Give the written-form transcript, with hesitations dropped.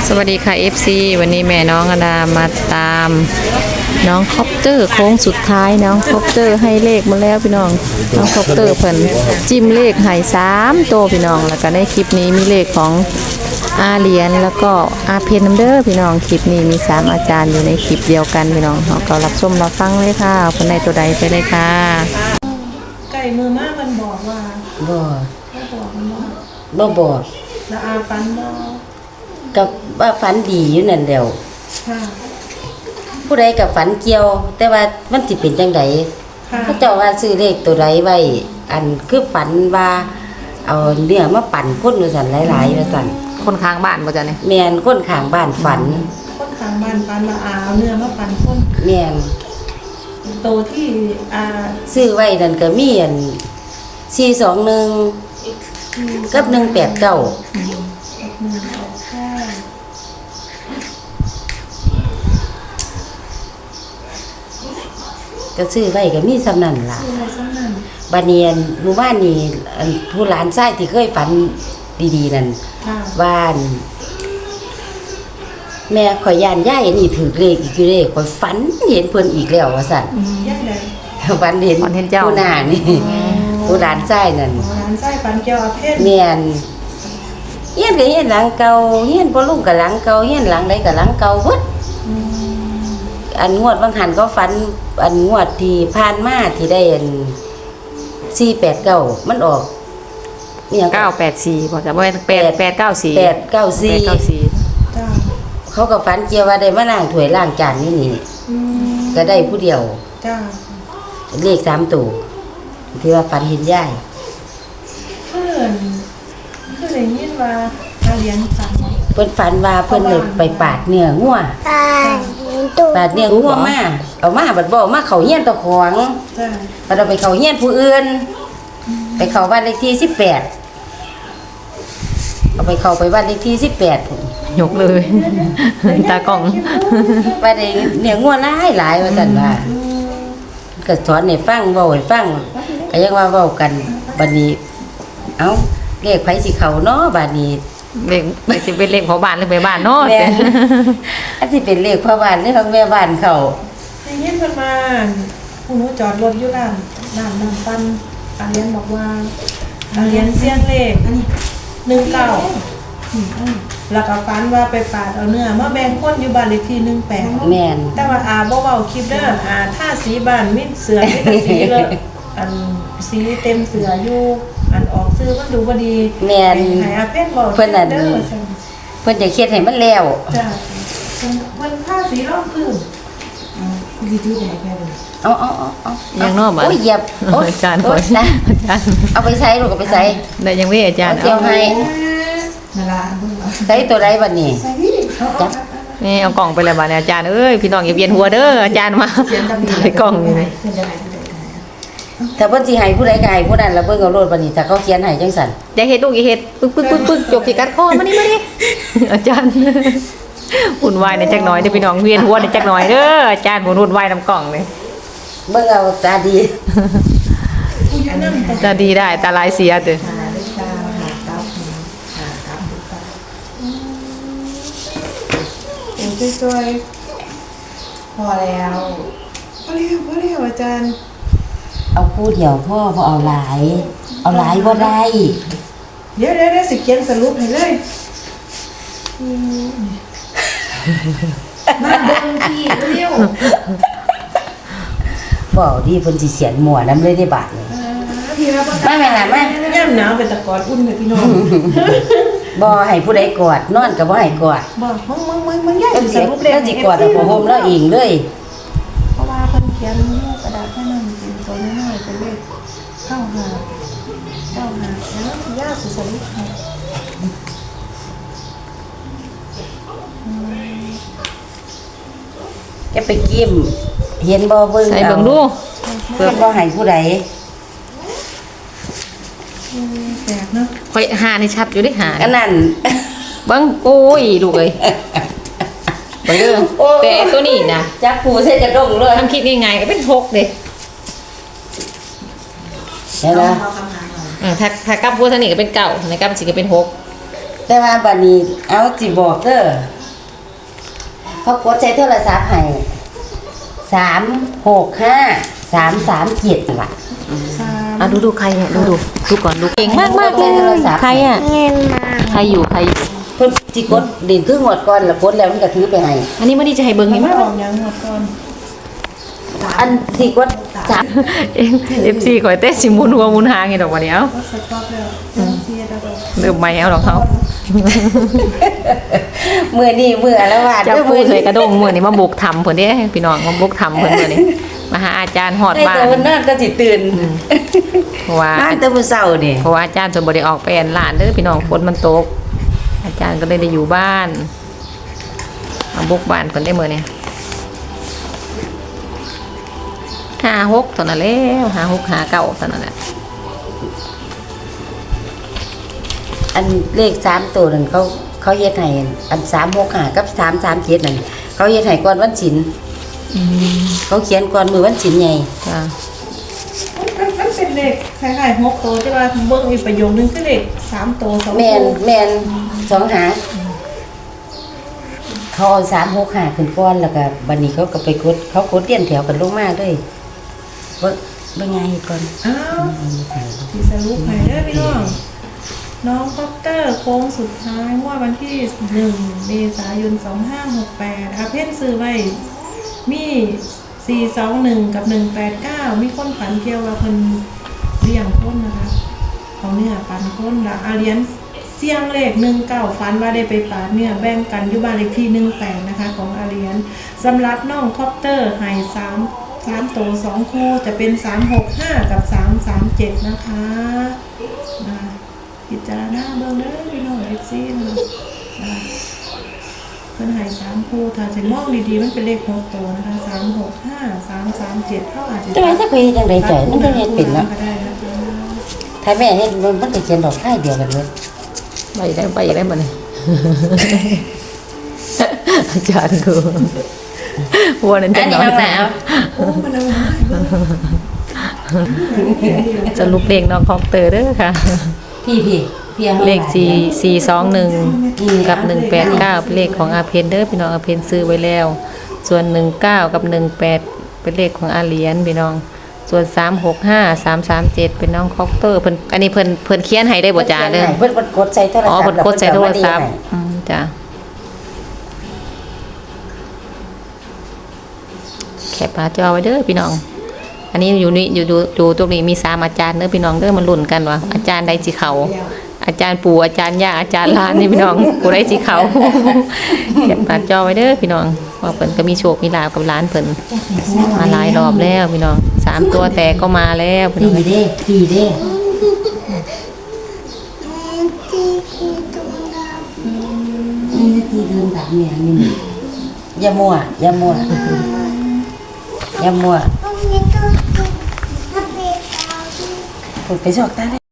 สวัสดีค่ะ FC วันนี้แม่น้องอดามาตามน้องคอปเตอร์โค้งสุดท้ายน้องคอปเตอร์ให้เลขมาแล้วพี่น้องน้องคอปเตอร์เพิ่นจิ้มเลขให้3ตัวพี่น้องแล้วก็ในคลิปนี้มีเลขของอาเหรียญแล้วก็อาเพนน้ำเด้อพี่น้องคลิปนี้มี3อาจารย์อยู่ในคลิปเดียวกันพี่น้องเราก็รับชมรับฟังเลยค่ะคนใดตัวใดไปเลยค่ะไก่มือมากมันบอกว่าบ่บอกมันว่าบอกแล้วอาฟันบอกกับว่าฝันดีอยู่นั่นแหล้วค่ะผู้ใดกับฝันเกี่ยว แต่ว่ามันสิเป็นจังไดเขาเจ้าว่าซื้อเลขตัวใดไว้อันคือฝันว่าเอาเนื้อมาปั่นคนว่าซั่นหลายๆว่าซั่นคนข้างบ้านบ่จ๊ะนี่แม่นคนข้างบ้านฝันคนข้างบ้านฟันมาอาเอาเนื้อมาปั่นคนแม่นโตที่อาซื้อไว้นั่นก็มีอัน421กับ189ก็ซื้อไว้ก็มีสำนั่นล่ะบาเนียนหมู่บ้านนี่ผู้หลานชายที่เคยฝันดีๆนั่นบ้านแม่ข่อยย่านย่ายนี่ถือเลขอีกอยู่เด้ข่อยฝันเห็นเพิ่นอีกแล้วว่าซั่นฝันเห็นผู้หน้านี่ผู้หลานชายนั่นหลานชายฝันเกี่ยวกับเพศแม่นเฮียนก็เฮียนหลังเก่าเฮียนพ่อลุงก็หลังเก่าเฮียนหลังใดก็หลังเก่าเบิดอันงวดบางหันก็ฝันอันงวดที่ผ่านมาที่ได้อัน489มันออกอีหยัง984บ่จ๊ะบ่894 จ้าเขาก็ฝันเกี่ยวว่าได้มาล้างถ้วยล้างจานนี่ก็ได้ผู้เดียวจ้าเลข3ตัวที่ว่าฝันเห็นยายคือได้ยินว่าอาเรียนฝันเพิ่นฝันว่าเพิ่นเลยไปปาดเนื้องัวปาดเนื้องัวมาเอามาบัดบ่มาเข้าเฮียนตะของจ้าบัดเอาไปเข้าเฮียนผู้อื่นไปเข้าบ้านเลขที่18เอาไปเข้าไปบ้านเลขที่18 ยกเลยตากล้องว่าได้เนื้องัวหลายว่าซั่นว่าก็สอนให้ฟังเว้าให้ฟังก็ยังว่าเว้ากันบัดนี้เอ้าเลขไผสิเข้าเนาะบัดนี้เลขสิเป็นเลขของบ้านหรือไปบ้านเนาะอันที่เป็นเลขพ่อบ้านหรือของแม่บ้านเขาได้ยินเพิ่นมาผู้หนูจอดรถอยู่ร้านน้ำปั้นอาเรียนบอกว่าอาเรียนเสียงเลขอันนี้19แล้วก็ฝันว่าไปปาดเอาเนื้อมาแบ่งคนอยู่บ้านเลขที่18 แม่นแต่ว่าอาบ่เว้าคลิปเด้ออาถ้าสีบ้านมีเสือมีแต่สีเลยอันสีเต็มเสืออยู่อันออกซื้อมันดูบ่ดีแม่นให้อาเพิ่นบอกเพิ่นนั่นเพิ่นจะเฮ็ดให้มันแล้วจ้ะเพิ่นผ้าสีรองพื้นดีๆได้แค่เลยเอายังนอกบ่โอ้ยเหยียบอาจารย์ขอนะอาจารย์เอาไปใส่ลูกเอาไปใส่ได้ยังมีอาจารย์เอาให้นั่นล่ะใส่ตัวใดบัดนี้จับนี่เอากล่องไปแล้วบัดนี้อาจารย์เอ้ยพี่น้องอย่าเวียนหัวเด้ออาจารย์มาถ่ายกล่องนี่ถ้าเพิ่นสิให้ผู้ใดก็ให้ผู้นั้นแล้วเบิ่งเอาโลดบัดนี้ถ้าเขาเขียนให้จังซั่นอย่าเฮ็ดลูกอย่าเฮ็ดปึ๊กจกสิกัดคอมานี่อาจารย์วุ่นวายในจักหน่อยเด้อพี่น้องเวียนหัวในจักหน่อยเด้ออาจารย์วุ่นวายนำกล่องเลยเบิ่งเอาตาดีตาดีได้ตาลายเสียเด้อช่วยพอแล้วอาจารย์เอาคู่เดียวพ่อบ่เอาหลายบ่ได้เดี๋ยวสิเขียนสรุปให้เลยมาเบิ่งพี่เร็วบ่ดีเพิ่นสิเสียนหมั่วนำเลยได้บาดนี่พี่ว่าแม่ล่ะแม่ย่ำหนาวเป็นตะกอนอุ่นเลยพี่น้องบ่ให้ผู้ใดกอดนอนก็บ่ให้กอดบ่มึงย่าสรุปแล้วสิกอดเอาผ้าห่มแล้วเองเลยเพราะว่าเพิ่นเขียนกระดาษให้มันเป็นตัวน้อยๆเป็นเลข95แล้วย่าสิสรุปให้จะไปกิ้มเห็นบ่เบิ่งใส่เบิ่งดูเพื่อบ่ให้ผู้ใดแปลกเนาะข่อยหานี่ชัดอยู่เด้หาอันนั้นเบิ่งโอ้ยลูกเอ้ยเบิ่งเด้อแต่ตัวนี้นะจับปูใส่กระด้งเลยทำคิดง่ายๆก็เป็น6เด้เห็นบ่ถ้ากลับพูดทางนี้ก็เป็น9ในกลับสิก็เป็น6 แต่ว่าบัดนี้เอาสิบอกเด้อเขากดใช้โทรศัพท์ให้365 337ล่ะอ่ะดูใครเนี่ยดูก่อนดูเก่งมากเลยใครอ่ะใครอยู่เพิ่นสิกดดินคืองวดก่อนแล้วกดแล้วมันก็ถือไปให้อันนี้ไม่ได้จะให้เบิ่งนี่นี่มามั้ยออกยังหมดก่อนอันที่กด FC ข่อยเต้สิหมุนหัวหมุนหางให้ดอกว่าเดียวก็สต็อปแล้วเสียแล้วก็เริ่มใหม่เอาดอกเขามื้อนี้มื้อละวาดเจ้าปู่เคยกระด้งมื้อนี้มาบุกทำเพิ่นเด้พี่น้องมาบุกทำเพิ่นมื้อนี้มาหาอาจารย์ฮอดบ้านแต่วันนั้นก็สิตื่นเพราะว่านอนแต่มื้อเช้านี่เพราะว่าอาจารย์เพิ่นบ่ได้ออกไปอันร้านเด้อพี่น้องฝนมันตก อาจารย์ก็เลยได้อยู่บ้านมาบุกบ้านเพิ่นได้มื้อนี้56เท่านั้นแล้ว56 59เท่านั้นแหละอันเลข3ตัวนั่นเขาเฮ็ดให้อัน365กับ337นั่นเขาเฮ็ดให้ก่อนวันศีลเขาเขียนก่อนมื้อวันศีลใหญ่จ้ามันเป็นเลขคล้ายๆ6ตัวแต่ว่าเบิ่งอีกประโยคนึงคือเลข3ตัว2ตัวแม่น2หาเขาเอา365ขึ้นก่อนแล้วก็บัดนี้เขาก็ไปกดเขากดเรียนแถวกันลงมาเลยเบิ่งไงเฮ็ดก่อนอ้าวที่สรุปให้เด้อพี่น้องน้องคอปเตอร์โค้งสุดท้ายว่าวันที่1เมษายน2568อาเพ่นซื้อไว้มี421กับ189มีคนฝันเกี่ยวว่าเพิ่นเลี้ยงคนนะคะเขาเนื้อปันคนละอาเลียนเสี่ยงเลข19ฝันว่าได้ไปปาดเนื้อแบ่งกันอยู่บ้านเลขที่18นะคะของอาเลียนสำหรับน้องคอปเตอร์ให้3ตัว2คู่จะเป็น365กับ337นะคะพิจารณาเบิ่งเด้อพี่น้อง FC นะคะเพิ่นให้3คู่ถ้าสิมองดีๆมันเป็นเลข6ตัวนะคะ365 337เท่าอาจจะแต่ว่าถ้าเคยจังได๋จ่อยมันก็เฮ็ดเป็นเนาะก็ได้นะคะถ้าแม่เฮ็ดมันก็เขียนดอกไม้เดียวกันเลยไปได้บ่เนี่ย อาจารย์ดูวันนั้นอัจะนนนี้อนน้องหนาวโอ้มันเอามาสรุปเลขน้องคอปเตอร์เด้อค่ะพี่เลข441กับ189เป็นเลขของอาเพนเด้อพี่น้องอาเพนซื้อไว้แล้ว ส่วน19กับ18เป็นเลขของอาเหรียญพี่น้อง ส่วน365 337เป็นน้องคอปเตอร์เพิ่นอันนี้เพิ่นเขียนให้ได้บ่จ้าเด้อเพิ่นกดใส่โทรศัพท์อ๋อเพิ่นกดใส่โทรศัพท์จ้ะแคปหน้าจอไว้เด้อพี่น้อง อันนี้อยู่ตรงนี้มี3อาจารย์เด้อพี่น้องเด้อมันลุ้นกันว่าอาจารย์ใดสิเข้าอาจารย์ปู่อาจารย์ย่าอาจารย์หลานนี่พี่น้องผู้ใดสิเข้าแคปหน้าจอไว้เด้อพี่น้องว่าเพิ่นก็มีโชคมีลาภกับหลานเพิ่นมาหลายรอบแล้วพี่น้อง3ตัวแต่ก็มาแล้วพี่น้องพี่เด้พี่เดินแบบนี้นี่อย่ามัวไปชอกตา